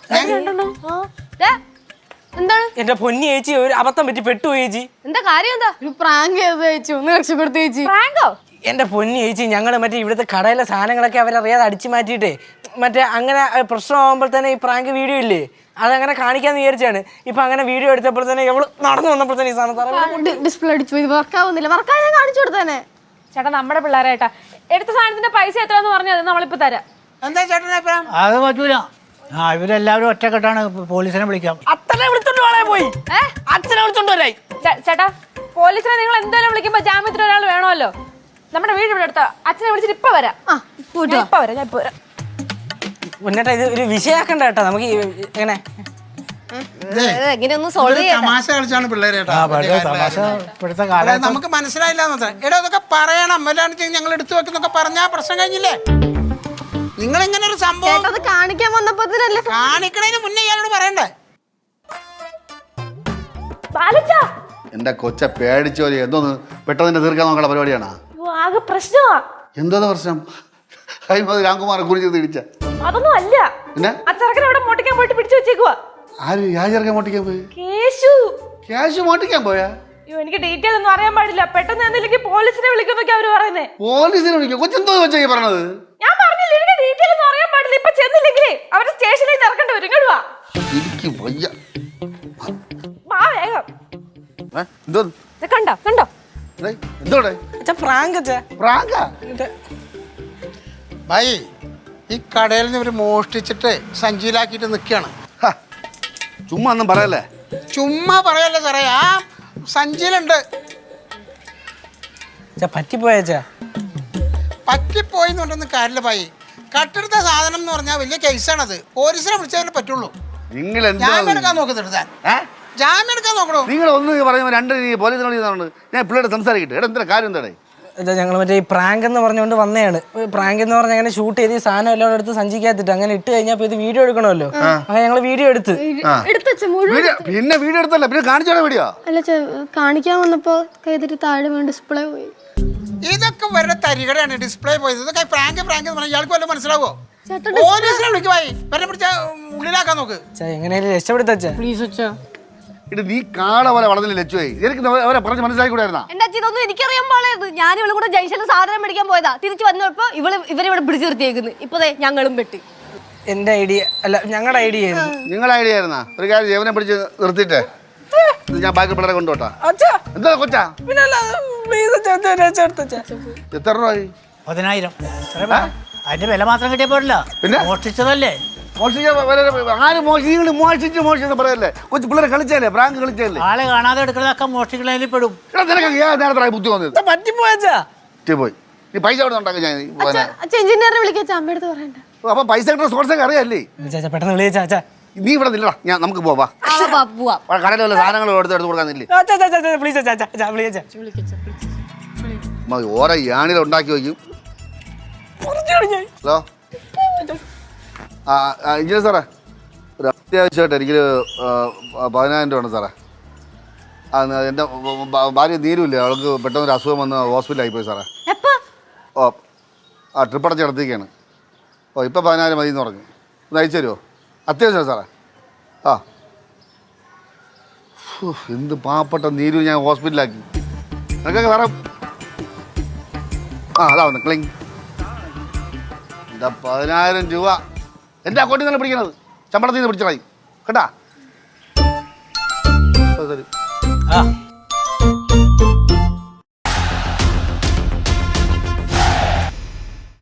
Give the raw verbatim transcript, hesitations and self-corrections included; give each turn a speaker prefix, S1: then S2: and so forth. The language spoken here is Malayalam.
S1: എന്താണ്
S2: എന്റെ പൊന്നി ചേച്ചി ഒരു അബദ്ധം പറ്റി പെട്ടു ചേച്ചി.
S1: എന്താ കാര്യം? എന്താ
S3: പ്രാങ്ക് ചെയ്ത് ചേച്ചി ഒന്ന് രക്ഷപ്പെടുത്തി ചേച്ചി.
S1: പ്രാങ്കോ?
S2: എന്റെ പൊന്നി ചേച്ചി ഞങ്ങള് മറ്റേ ഇവിടുത്തെ കടയിലെ സാധനങ്ങളൊക്കെ അവരറിയാതെ അടിച്ചു മാറ്റിയിട്ടേ മറ്റേ അങ്ങനെ പ്രശ്നമാകുമ്പോൾ തന്നെ ഈ പ്രാങ്ക് വീഡിയോ ഇല്ലേ അതങ്ങനെ കാണിക്കാന്ന് വിചാരിച്ചാണ്. ഇപ്പൊ അങ്ങനെ വീഡിയോ എടുത്തപ്പോൾ തന്നെ എവള് നടന്നു വന്നപ്പോൾ തന്നെ ഈ സാധനം
S3: ഡിസ്പ്ലേ അടിച്ചു പോയി വർക്കാവുന്നില്ല. വർക്കാ ഞാൻ കാണിച്ചു കൊടുത്തേനെ.
S1: ചേട്ടാ നമ്മുടെ പിള്ളേരായിട്ടാ എടുത്ത സാധനത്തിന്റെ പൈസ എത്രയാന്ന് പറഞ്ഞത് നമ്മളിപ്പോ തരാം.
S4: എന്താ ചേട്ടനെ
S5: അത് പറ്റൂല. ആ ഇവരെല്ലാവരും ഒറ്റക്കെട്ടാണ് പോലീസിനെ വിളിക്കാം.
S2: അച്ഛനെ വിളിച്ചോണ്ട് വളയെ പോയി അച്ഛനെ വിളിച്ചോണ്ട് വരായി.
S1: ചേട്ടാ പോലീസിനെ നിങ്ങൾ എന്തായാലും വിളിക്കുമ്പോ ജാമ്യത്തിന് ഒരാൾ വേണമല്ലോ. നമ്മുടെ വീട് ഇവിടെ അടുത്ത അച്ഛനെ വിളിച്ചിട്ട് ഇപ്പൊ വരാം. ഇപ്പൊ വരാം ഞാൻ ഇപ്പൊ വരാം.
S2: മുന്നേട്ടാ ഇത് ഒരു വിഷയാക്കണ്ട കേട്ടോ. നമുക്ക് എങ്ങനെ
S1: എങ്ങനെയൊന്നും സോൾവ് ചെയ്യാം.
S4: തമാശ കളിച്ചാണ് പിള്ളേരേട്ടാ. നമുക്ക് മനസ്സിലായില്ല. എടാ അതൊക്കെ പറയണം. അല്ലാണ്ട് ഞങ്ങൾ എടുത്തു വെക്കുന്നൊക്കെ പറഞ്ഞാ പ്രശ്നം കഴിഞ്ഞില്ലേ? നിങ്ങൾ ഇങ്ങനെ ഒരു സംഭവം
S3: കാണിക്കാൻ വന്നപ്പോ
S4: കാണിക്കണതിന് മുന്നേ ഇയാളോട് പറയണ്ടേ?
S6: എന്റെ കൊച്ച പേടിച്ചോലി എന്തോന്ന് പെട്ടെന്ന് തീർക്കാൻ നോക്കണ പരിപാടിയാണ്.
S1: ആകെ പ്രശ്നമാ.
S6: എന്തോന്ന് പ്രശ്നം? രാംകുമാർ കുറിച്ച് തിരിച്ച
S1: അതൊന്നും അല്ല. അച്ചറക്കനെ ഇവിടെ മോട്ടിക്കാൻ പോയിട്ട് പിടിച്ചു വെച്ചേക്കുവാ.
S6: ആര് യാചർക്കാൻ മോട്ടിക്കാൻ പോയി?
S1: കേശു.
S6: കേശു മോട്ടിക്കാൻ പോയാ?
S1: അയ്യോ എനിക്ക് ഡീറ്റെയിൽ ഒന്നും അറിയാൻ പാടില്ല. പെട്ടെന്ന് എന്തെങ്കിലും പോലീസിനെ വിളിക്കുന്നൊക്കെ അവര് പറയുന്നേ.
S6: പോലീസിനെ വിളിക്കും? കൊച്ചെന്തോ വെച്ചാ പറഞ്ഞത്?
S1: ഞാൻ പറഞ്ഞില്ല എനിക്ക് ഡീറ്റെയിൽ ഒന്നും അറിയാൻ പാടില്ല. ഇപ്പൊ ചെന്നില്ലെങ്കിലേ അവര് സ്റ്റേഷനിൽ ഇറക്കേണ്ടി വരും. ഇങ്ങോട്ട് വാ.
S6: എനിക്ക് വയ്യ.
S1: വാ വേഗം.
S6: എന്തോ
S1: കണ്ടോ കണ്ടോ
S6: എന്തോടെ
S2: പ്രാങ്ക്
S6: പ്രാങ്കാ?
S4: ഭായി ഈ കടയിൽ നിന്ന് ഇവര് മോഷ്ടിച്ചിട്ട് സഞ്ചിയിലാക്കിയിട്ട് നിൽക്കുകയാണ്.
S6: ചുമ്മാ ഒന്നും പറയല്ലേ.
S4: ചുമ്മാ പറയല്ലേ സാറേ. ആ സഞ്ചിയിലുണ്ട്.
S2: പറ്റിപ്പോയാച്ചാ
S4: പറ്റിപ്പോയി എന്ന് പറഞ്ഞൊന്നും കാര്യമില്ല ഭായി. കട്ടെടുത്ത സാധനം എന്ന് പറഞ്ഞാൽ വലിയ കേസാണത്. പോലീസിനെ വിളിച്ചാലേ പറ്റുള്ളൂ.
S6: നിങ്ങൾ
S4: ജാമ്യം എടുക്കാൻ നോക്കുന്നത് ജാമ്യം എടുക്കാൻ നോക്കണോ?
S6: നിങ്ങൾ ഒന്ന് പറയുമ്പോൾ രണ്ട് പോലീസിനെ വിളിക്കുന്നുണ്ട്. ഞാൻ പിള്ളേരുടെ സംസാരിക്കട്ടെ. എടാ എന്താ കാര്യം എന്താടേ?
S2: ഞങ്ങൾ മറ്റേ ഈ പ്രാങ്ക് എന്ന് പറഞ്ഞുകൊണ്ട് വന്നതാണ്. പ്രാങ്ക് എന്ന് പറഞ്ഞാൽ അങ്ങനെ ഷൂട്ട് ചെയ്ത് ഈ സാധനം എല്ലാം എടുത്ത് സഞ്ചിക്കാത്തിട്ട് അങ്ങനെ ഇട്ട് കഴിഞ്ഞാൽ ഇത് വീഡിയോ എടുക്കണമല്ലോ. അങ്ങനെ ഞങ്ങൾ വീഡിയോ എടുത്ത്
S6: പിന്നെ വീഡിയോ എടുത്തല്ല പിന്നെ കാണിച്ചോടെ വീഡിയോ
S3: അല്ല കാണിക്കാൻ വന്നപ്പോ കൈതിട്ട് താഴെ വീണ് ഡിസ്പ്ലേ പോയി.
S4: ഇതൊക്കെ വരുടെ തരികടയാണ്. ഡിസ്പ്ലേ പോയത്. ഇതൊക്കെ പ്രാങ്ക് പ്രാങ്ക് എന്ന് പറഞ്ഞാൽ ഇയാൾക്ക് വല്ലതും മനസ്സിലാവോ? പോലീസിനെ വിളിക്കുവായി വരെ പിടിച്ച ഉള്ളിലാക്കാൻ നോക്ക്.
S2: എങ്ങനെയാലും രക്ഷപ്പെടുത്തച്ചാ
S3: പ്ലീസ് അച്ഛാ.
S6: ഇത് നീ കാട പോലെ വളർന്നില്ല ലച്ചുവായി. എനിക്ക് അവരെ പറഞ്ഞ് മനസ്സിലാക്കിക്കൂടായിരുന്നാ?
S1: എന്റെ അച്ഛൻ ഇതൊന്നും എനിക്കറിയാൻ പാടില്ലായിരുന്നു. ഞാൻ ഇവളും കൂടെ ജംഗ്ഷനിൽ സാധനം മേടിക്കാൻ പോയതാ. തിരിച്ചു വന്നപ്പോ ഇവള് ഇവരിവിടെ പിടിച്ചു നിർത്തിയേക്കുന്നു. ഇപ്പൊ ഞങ്ങളും പെട്ടി.
S2: എന്റെ ഐഡിയ അല്ല ഞങ്ങളുടെ ഐഡിയ ആയിരുന്നു.
S6: നിങ്ങളുടെ ഐഡിയ ആയിരുന്നാ? ഒരു കാര്യം ജീവനെ പിടിച്ച് നിർത്തിയിട്ടേ ഞാൻ ബാക്കി പിള്ളേരെ കൊണ്ടുപോട്ടാ. എന്താ കൊച്ചാ? എത്ര രൂപ?
S5: പതിനായിരം. അതിന്റെ വില മാത്രം കിട്ടിയ പോരല്ല. പിന്നെ മോഷ്ടിച്ചതല്ലേ?
S6: ആര് മോഷിച്ച് മോഷിച്ച് മോഷിച്ച് പറയല്ലേ? കൊച്ചു പിള്ളേരെ കളിച്ചല്ലേ? പ്രാങ്ക് കളിച്ചല്ലേ?
S5: ആളെ കാണാതെ എടുക്കുന്നതൊക്കെ മോഷ്ടിക്കുന്നതിൽ പെടും.
S6: നേരത്തെ ബുദ്ധി വന്നത് പോയി. നീ പൈസ അവിടെ ഉണ്ടാക്കി ഞാൻ
S3: എഞ്ചിനീയറെ വിളിക്കാൻ അമ്മയടുത്ത് പറയണ്ട.
S6: അപ്പൊ പൈസ കിട്ടുന്ന സോഴ്സൊക്കെ അറിയാല്ലേ?
S2: പെട്ടെന്ന് വിളിച്ചാ.
S6: നീ ഇവിടെ നില്ലടാ. ഞാൻ നമുക്ക് പോവാ. കടയിൽ വല്ല സാധനങ്ങൾ എടുത്ത് എടുത്ത് കൊടുക്കാന്നില്ലേ? ഓരോ യാണിൽ ഉണ്ടാക്കി വയ്ക്കും. ഹലോ ആ ഇഞ്ചിനെ സാറേ ഒരു അത്യാവശ്യമായിട്ട് എനിക്കൊരു പതിനായിരം രൂപ ഉണ്ട് സാറേ. ആ എൻ്റെ ഭാര്യ നീരുമില്ലേ അവൾക്ക് പെട്ടെന്നൊരു അസുഖം വന്ന് ഹോസ്പിറ്റലിൽ ആയിപ്പോയി സാറേ. ഓ ആ ട്രിപ്പ് അടച്ച് നടത്തിയൊക്കെയാണ്. ഓ ഇപ്പം പതിനായിരം മതി എന്ന് പറഞ്ഞു. ഒന്ന് അയച്ചു തരുമോ? അത്യാവശ്യമാണ് സാറേ. ആ എന്ത് പാവപ്പെട്ട നീരു ഞാൻ ഹോസ്പിറ്റലിലാക്കി. നിനക്കൊക്കെ സാറേ ആ അതാ വന്ന് ക്ലിങ് എന്താ പതിനായിരം രൂപ എൻ്റെ അക്കൗണ്ടിൽ നിന്നാണ് പിടിക്കണത്. ശമ്പളത്തിൽ നിന്ന് പിടിച്ചതായി കേട്ടാ. ശരി
S5: ആ